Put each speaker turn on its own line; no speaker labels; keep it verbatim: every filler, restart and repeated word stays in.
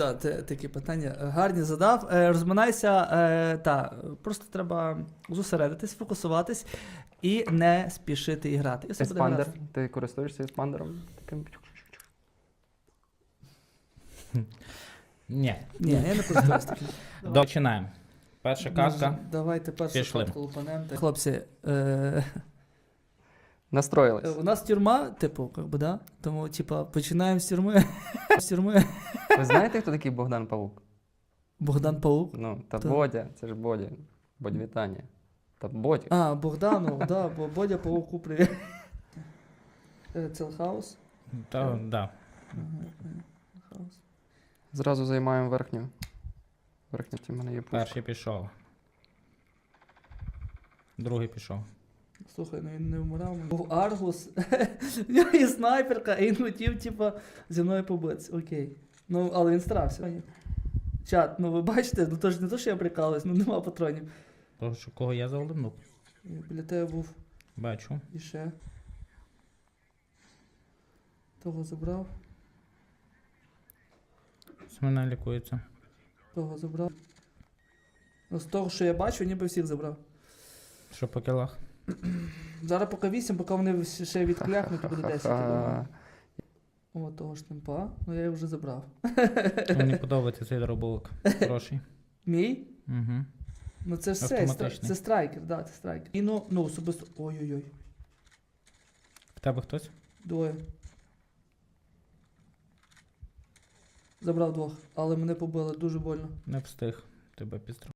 Да, те- такі питання гарні задав. Е, розминайся, е, та, просто треба зосередитись, фокусуватись і не спішити і грати. І все буде
Еспандер.
гаразд.
Ти користуєшся еспандером? Таким.
Ні.
Ні, я не користуюсь таким.
Починаємо. Перша катка.
Давайте першу
Пішли.
катку лупанем. Хлопці, е,
Настроїлись.
у нас тюрма, типу, как би, да? Тому, типа, починаємо з тюрми. З тюрми.
Ви знаєте, хто такий Богдан Павук?
Богдан Паук.
Ну, та
Та.
Бодя, це ж Бодя. Бодь вітання. Та Бодя.
А, Богдану, да, бо Бодя Пауку, привіт. Е, Целхаус.
Та, да.
Хаус.
Зразу займаємо верхню. Верхня в мене є пушка.
Перший пішов. Другий пішов.
Слухай, ну він не вмирав. Був Аргус. В нього є снайперка, і він хотів, типа, зі мною побитися. Окей. Ну, але він старався. Чат, ну ви бачите, ну то ж не то, що я прикалуюсь, ну нема патронів.
Того, що кого я завалив?
І біля тебе був
Бачу.
і ще. Того забрав,
Смена лікується.
того забрав. Ну, з того, що я бачу, ніби всіх забрав.
Що по кілах?
Зараз поки вісім, поки вони всі ще відкляхнуть, буде десять. я думаю.
Ха-ха-ха.
О, того ж темпа, ну я його вже забрав.
Мені подобається цей дробовик. Хороший.
Мій?
Угу.
Ну це ж це, стра-
Автоматичний.
це страйкер, да, це страйкер. І ну, ну особисто. Ой-ой-ой.
В тебе хтось?
Двоє. Забрав двох, але мене побили дуже больно.
Не встиг. Тебе підстрахував.